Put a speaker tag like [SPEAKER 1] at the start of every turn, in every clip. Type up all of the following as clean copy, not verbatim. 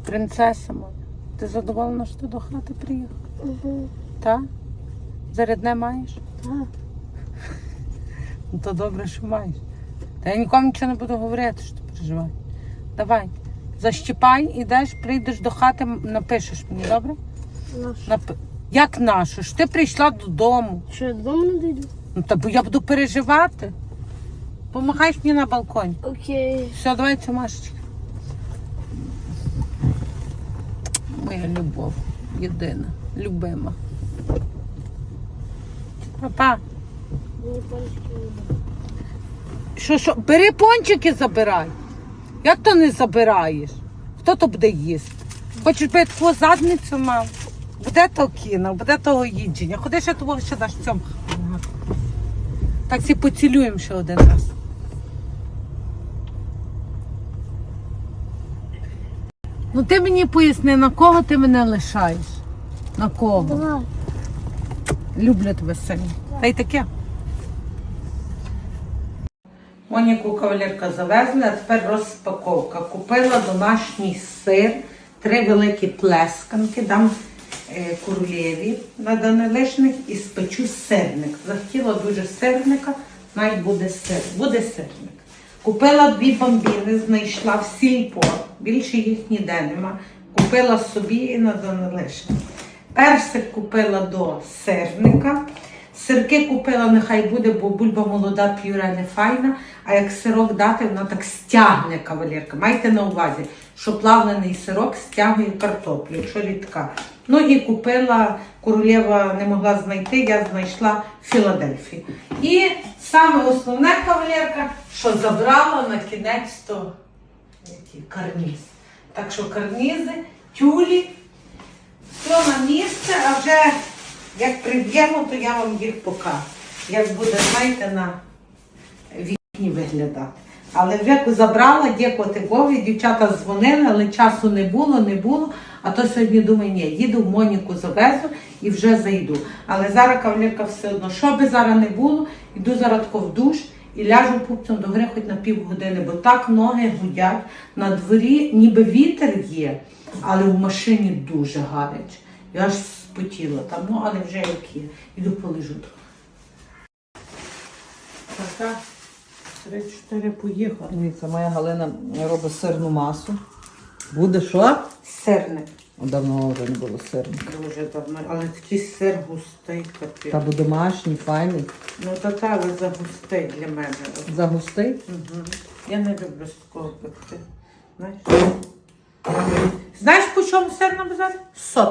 [SPEAKER 1] Принцеса моя, ти задоволена, що ти до хати приїхала?
[SPEAKER 2] Угу.
[SPEAKER 1] Так? Зарядне маєш?
[SPEAKER 2] Так.
[SPEAKER 1] Ну то добре, що маєш. Та я нікому нічого не буду говорити, що ти переживаєш. Давай, защіпай, ідеш, прийдеш до хати, напишеш мені, добре?
[SPEAKER 2] Нашу.
[SPEAKER 1] Як нашу? Ж ти прийшла додому.
[SPEAKER 2] Що, я додому не дійду?
[SPEAKER 1] Ну та бо я буду переживати. Помахаєш мені на балконі.
[SPEAKER 2] Окей.
[SPEAKER 1] Все, давай цю Машечка. Моя любов. Єдина. Любима. Папа.
[SPEAKER 2] Мені пальчики не буде.
[SPEAKER 1] Що? Бери пончики, забирай. Як то не забираєш? Хто то буде їсти? Хочеш би таку задницю мав? Буде то кіно, буде того їдження. Ходи ще того ще даш цьому. Так всі поцілуємо ще один раз. Ну ти мені поясни, на кого ти мене лишаєш? На кого?
[SPEAKER 2] Давай.
[SPEAKER 1] Люблю тебе сильно. Та й таке. Моніку кавалерка завезли, а тепер розпаковка. Купила домашній сир, 3 великі плесканки, дам королеві на данилишних і спечу сирник. Захотіла дуже сирника, навіть буде сир. Буде сирник. Купила 2 бомбіни, знайшла в сільпо, більше їх ніде нема. Купила собі і на данилишних. Персик купила до сирника. Сирки купила, нехай буде, бо бульба молода, п'юре не файна, а як сирок дати, вона так стягне, кавалерка. Майте на увазі, що плавлений сирок стягує картоплю, якщо рідка. Ну і купила, королева не могла знайти, я знайшла в Філадельфії. І саме основне, кавалерка, що забрала на кінець то карніз. Так що карнізи, тюлі, все на місце, а вже як приб'ємо, то я вам їх покажу. Як буде, знаєте, на вікні виглядати. Але вже забрала, дякувати Богу, дівчата дзвонили, але часу не було. А то сьогодні думаю, ні, їду в Моніку завезу і вже зайду. Але зараз кавалерка все одно, що би зараз не було, йду зараз тако в душ і ляжу пупцем до гри хоч на півгодини, бо так ноги гудять. На дворі ніби вітер є, але в машині дуже гаряче. Я аж спотіла там, ну але вже як є. Іду полежу трохи. Така, 3-4 поїхали.
[SPEAKER 3] Дивіться, моя Галина робить сирну масу. Буде що?
[SPEAKER 1] Сирник.
[SPEAKER 3] Давно вже не було сирника.
[SPEAKER 1] Дуже давно, але такий сир густий, капець.
[SPEAKER 3] Та бо домашній, файний.
[SPEAKER 1] Ну та але загустий для мене.
[SPEAKER 3] Загустий?
[SPEAKER 1] Угу. Я не люблю з такого пекти. Знаєш, по чому сир на базарі? 100.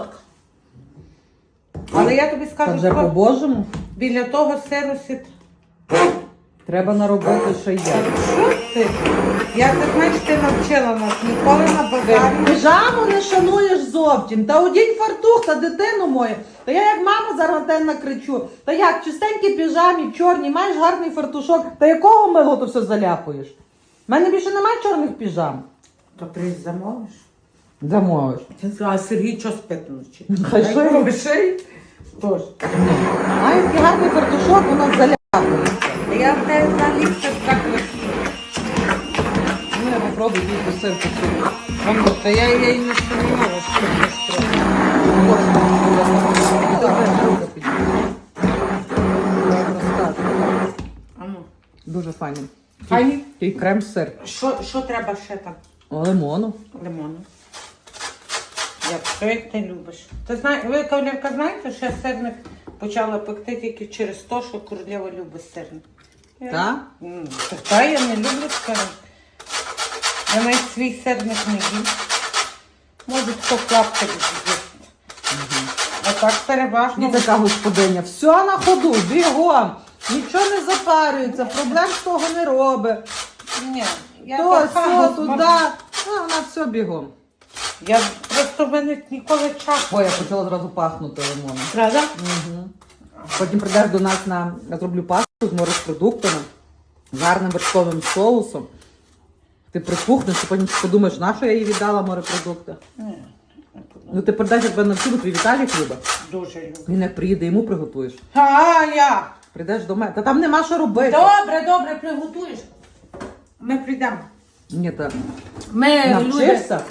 [SPEAKER 1] Але я тобі
[SPEAKER 3] Та
[SPEAKER 1] скажу,
[SPEAKER 3] вже по-божому.
[SPEAKER 1] біля того сиру сіт.
[SPEAKER 3] Треба наробити, що є.
[SPEAKER 1] Що ти? Я так, знаєш, ти навчила нас ніколи на базарі.
[SPEAKER 3] Піжаму не шануєш зовсім. Та одінь фартух, та дитину мою. Та я як мама зараз на тебе накричу. Та як, чистенькі піжамі, чорні, маєш гарний фартушок. Та якого милого то все заляпуєш? У мене більше немає чорних піжам.
[SPEAKER 1] То приїзд замовиш?
[SPEAKER 3] Замовиш.
[SPEAKER 1] А Сергій що спить вночі?
[SPEAKER 3] Хай шиє.
[SPEAKER 1] Шиє? Тож.
[SPEAKER 3] Має такий гарний фартушок, воно заляпується.
[SPEAKER 1] Я в тебе взагалі все так красиво.
[SPEAKER 3] Ну, я попробую тільки сир посуду.
[SPEAKER 1] Та я її не сумнівала, що ти не спробуєш. Ану.
[SPEAKER 3] Дуже файний.
[SPEAKER 1] Файний?
[SPEAKER 3] І крем-сир.
[SPEAKER 1] Що треба ще там?
[SPEAKER 3] Лимону.
[SPEAKER 1] Лимону. Як ти любиш. Ти знаєш, ви, кавалерка, знаєте, що я сирник почала пекти тільки через те, що королева любить сирник.
[SPEAKER 3] Так?
[SPEAKER 1] Та я не люблю сирник. Я навіть свій сирник не їм. Може, хто клаптик з'їсти. А так переважно.
[SPEAKER 3] І така господиня. Все на ходу, бігом. Нічого не запарюється, проблем з того не робить.
[SPEAKER 1] Ні, я
[SPEAKER 3] То,
[SPEAKER 1] така
[SPEAKER 3] все, туди. Вона все бігом.
[SPEAKER 1] Я просто в мене ніколи часу.
[SPEAKER 3] Ой, я почала зразу пахнути лимоном.
[SPEAKER 1] Правда?
[SPEAKER 3] Угу. Потім прийдеш до нас я зроблю пасту з морепродуктами, з гарним вершковим соусом. Ти припухнеш, і потім подумаєш, на що я їй віддала морепродукти.
[SPEAKER 1] Ні.
[SPEAKER 3] Ну ти прийдеш, як тебе навчили, твій Віталік любить.
[SPEAKER 1] Дуже люблю.
[SPEAKER 3] Він як приїде, йому приготуєш.
[SPEAKER 1] А я.
[SPEAKER 3] Прийдеш до мене. Та там нема що робити.
[SPEAKER 1] Добре, приготуєш. Ми прийдемо.
[SPEAKER 3] Ні, так.
[SPEAKER 1] Ми люди.
[SPEAKER 3] Навчишся?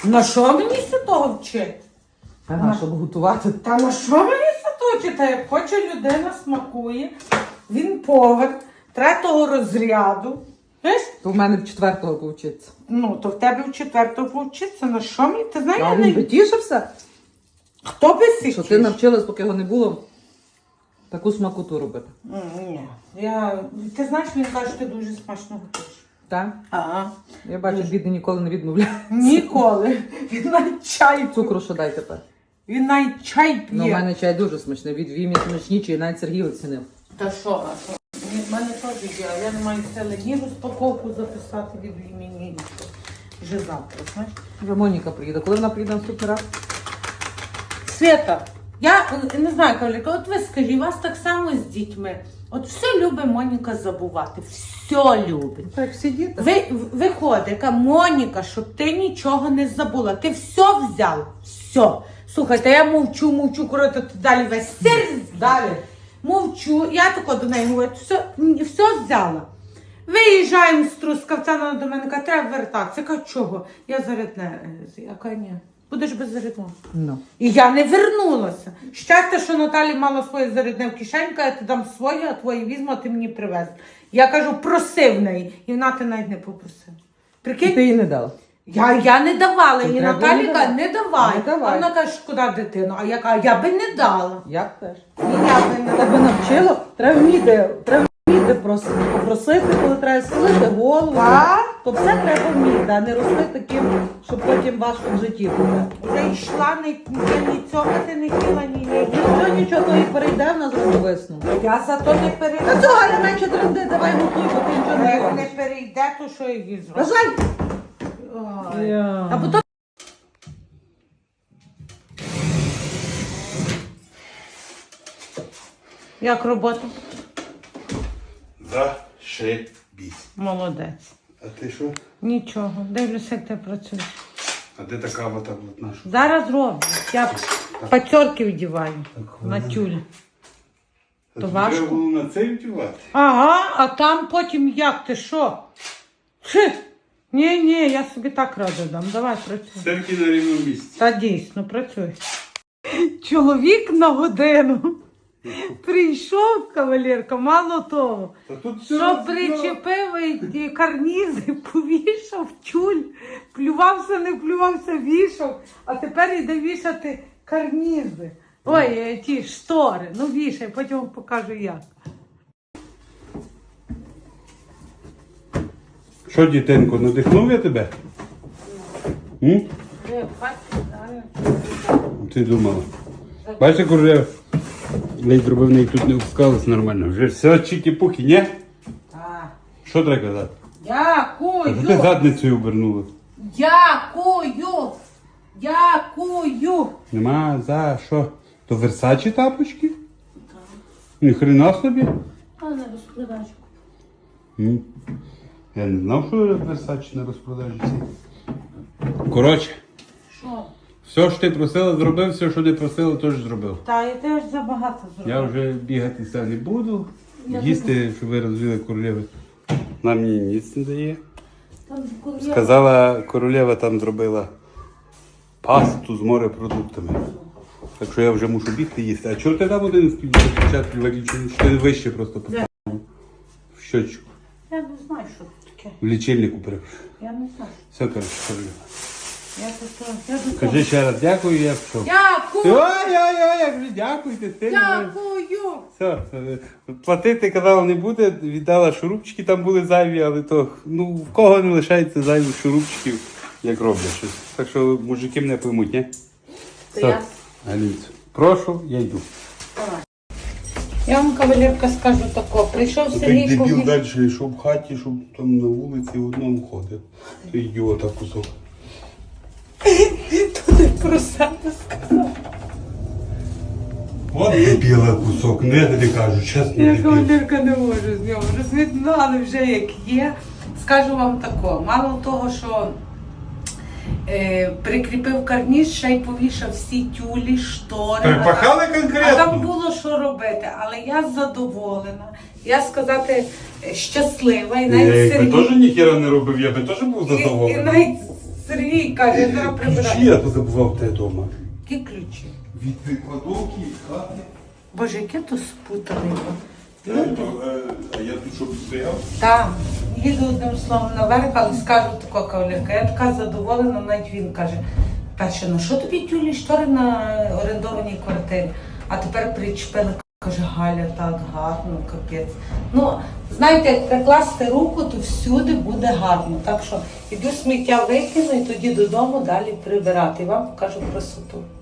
[SPEAKER 1] На що мені з того вчити?
[SPEAKER 3] Ага, щоб готувати.
[SPEAKER 1] Та на що мені з того вчити? Як хоче людина, смакує. Він повар 3-го розряду. Знаєш?
[SPEAKER 3] То в мене в 4-го повчиться.
[SPEAKER 1] Ну, то в тебе в 4-го повчиться. На що мені? Ти знаєш,
[SPEAKER 3] А
[SPEAKER 1] я
[SPEAKER 3] він
[SPEAKER 1] не...
[SPEAKER 3] би тішився,
[SPEAKER 1] Хто би сі
[SPEAKER 3] що ти навчилась, поки його не було, таку смакоту робити.
[SPEAKER 1] Ні. Ти знаєш, він каже, що ти дуже смачно готуєш.
[SPEAKER 3] Так?
[SPEAKER 1] Ага.
[SPEAKER 3] Я бачу, бідний ніколи не відмовляє.
[SPEAKER 1] Ніколи. Він навіть чай.
[SPEAKER 3] Цукру що дай тепер.
[SPEAKER 1] Він навіть чай п'є.
[SPEAKER 3] Ну, у мене чай дуже смачний, від Вімі смачніший, навіть Сергій оцінив.
[SPEAKER 1] Та що, а що? В мене теж є, а я не маю сили ні розпаковку записати від імені, нічого. Вже завтра, знаєш?
[SPEAKER 3] Вже Моніка приїде. Коли вона приїде наступний раз?
[SPEAKER 1] Свята, я не знаю, Кавліка, от ви скажіть, у вас так само з дітьми. От все любить Моніка забувати, все любить.
[SPEAKER 3] Так, всі діти.
[SPEAKER 1] Виходить, яка Моніка, щоб ти нічого не забула. Ти все взяла, все. Слухайте, я мовчу, коротко, ти далі весь сир.
[SPEAKER 3] Далі.
[SPEAKER 1] Мовчу, я тако до неї говорю, все взяла. Виїжджаємо з Трускавця, вона до мене каже, треба вертатися. Я кажу, чого? Я зарядне. Я кажу, ні, будеш без зарядного.
[SPEAKER 3] Ну.
[SPEAKER 1] І я не вернулася. Щастя, що Наталі мала своє зарядне в кишеньку, я ти дам своє, а твоє візьму, а ти мені привез. Я кажу, проси в неї. І вона ти навіть не попросила.
[SPEAKER 3] І
[SPEAKER 1] Прикинь?
[SPEAKER 3] ти їй не дала.
[SPEAKER 1] Я не давала, і
[SPEAKER 3] треба
[SPEAKER 1] Наталі
[SPEAKER 3] не
[SPEAKER 1] каже,
[SPEAKER 3] давати.
[SPEAKER 1] не давай.
[SPEAKER 3] Не давай.
[SPEAKER 1] А вона каже, шкода дитину. А я кажу, я би не дала.
[SPEAKER 3] Я б теж.
[SPEAKER 1] І я би не
[SPEAKER 3] Тебе
[SPEAKER 1] дала.
[SPEAKER 3] навчило, треба вміти попросити, коли треба схилити голову.
[SPEAKER 1] Так.
[SPEAKER 3] То все треба вміти, а не рости таким, щоб потім важко в житті буде.
[SPEAKER 1] Вже йшла, ні цьомати не хотіла, ні.
[SPEAKER 3] Нічого, то і перейде в нас зробить висновку.
[SPEAKER 1] Я зато не
[SPEAKER 3] Та
[SPEAKER 1] перейде.
[SPEAKER 3] цього Галя менше тренди, давай готуй, бо ти нічого не
[SPEAKER 1] Як
[SPEAKER 3] робиш.
[SPEAKER 1] не перейде, то що я їй зроблю?
[SPEAKER 3] Бажай!
[SPEAKER 1] Ой. А потім... Як робота?
[SPEAKER 4] Зашибісь.
[SPEAKER 1] Молодець.
[SPEAKER 4] А ти що?
[SPEAKER 1] Нічого, дивлюся, як ти працюєш.
[SPEAKER 4] А де така вота наша?
[SPEAKER 1] Зараз роблю. Я пацьорки вдіваю на тюль. То важко?
[SPEAKER 4] Треба було на це вдівати.
[SPEAKER 1] Ага, а там потім як ти що? Ні, я собі так раду дам. Давай працюй.
[SPEAKER 4] Серки на рівному місці.
[SPEAKER 1] Та дійсно, працюй. Чоловік на годину. Прийшов кавалерка, мало того.
[SPEAKER 4] Та тут все
[SPEAKER 1] Що причепив і карнізи, повішав тюль, плювався, не плювався, вішав, а тепер йде вішати карнізи. Ой, ті штори, ну вішай, потім вам покажу як.
[SPEAKER 4] Що, дітенько, надихнув я тебе? М? Ти думала. Бачиш, уже ледь зробив, неї тут не впускалось нормально. Вже все чікі-пуки, ні?
[SPEAKER 1] Так.
[SPEAKER 4] Що треба казати? А що ти
[SPEAKER 1] Дякую!
[SPEAKER 4] задницею обернула?
[SPEAKER 1] Дякую!
[SPEAKER 4] Нема за що? То Версачі тапочки? Ні хрена собі.
[SPEAKER 1] А не розпродажу.
[SPEAKER 4] Я не знав, що Версачі на розпродажі ці. Коротше,
[SPEAKER 1] Що?
[SPEAKER 4] все, що ти просила, зробив, все, що не просила, теж зробив.
[SPEAKER 1] Та і ти ж забагато зробив.
[SPEAKER 4] Я вже бігати все не буду.
[SPEAKER 1] Я
[SPEAKER 4] Їсти, щоб ви розвили королеви. Нам мені ніц не дає.
[SPEAKER 1] Там коли
[SPEAKER 4] Сказала, королева там зробила пасту з морепродуктами. Так що я вже мушу бігти їсти. А чого ти там один спочатку виключений? Чи ти вище просто поставив? В щочку.
[SPEAKER 1] Я не знаю, що це таке.
[SPEAKER 4] В лічильнику перепрошую.
[SPEAKER 1] Я не знаю.
[SPEAKER 4] Все, коротше, королева.
[SPEAKER 1] Я до того.
[SPEAKER 4] Кажи ще раз дякую, я пішов.
[SPEAKER 1] Дякую!
[SPEAKER 4] Ой-ой-ой, як вже дякуйте.
[SPEAKER 1] Дякую!
[SPEAKER 4] Все, платити казала не буде, віддала шурупчики, там були зайві, але то, ну, в кого не лишається зайвих шурупчиків, як роблять щось. Так що мужики мене поймуть, ні? Все, Галінцю, прошу, я йду.
[SPEAKER 1] Я вам, кавалерка, скажу тако. Прийшов Сергій
[SPEAKER 4] Дебіл
[SPEAKER 1] Ковалєв.
[SPEAKER 4] далі йшов в хаті, щоб там на вулиці в одному ходив. То ідіота кусок.
[SPEAKER 1] Туди про себе сказав.
[SPEAKER 4] От дебіла кусок, ну я тобі кажу, чесно,
[SPEAKER 1] Я
[SPEAKER 4] дебіл.
[SPEAKER 1] кавалерка не можу з нього. Розмітнали вже як є. Скажу вам тако. Мало того, що прикріпив карніс, ще й повішав всі тюлі, штори.
[SPEAKER 4] Перепахали
[SPEAKER 1] А там
[SPEAKER 4] конкретно?
[SPEAKER 1] було що робити, але я задоволена. Я сказати щаслива. І навіть
[SPEAKER 4] Я би
[SPEAKER 1] Сергій...
[SPEAKER 4] теж ніхіра не робив, я би теж був
[SPEAKER 1] І
[SPEAKER 4] задоволений.
[SPEAKER 1] навіть Сергій каже, я зараз
[SPEAKER 4] Ключі
[SPEAKER 1] прибираю.
[SPEAKER 4] я позабував те вдома.
[SPEAKER 1] Які ключі?
[SPEAKER 4] Від кладовки, від хати.
[SPEAKER 1] Боже, яке то спутане.
[SPEAKER 4] А я тут щоб стояв?
[SPEAKER 1] Так, їду одним словом наверх, але скажу тако кавалерка. Я така задоволена, навіть він каже, перше, на що тобі тюлі штори на орендованій квартирі? А тепер причепили, каже, Галя, так гарно, капець. Ну, знаєте, як прикласти руку, то всюди буде гарно. Так що іду сміття викину і тоді додому далі прибирати. І вам покажу красоту.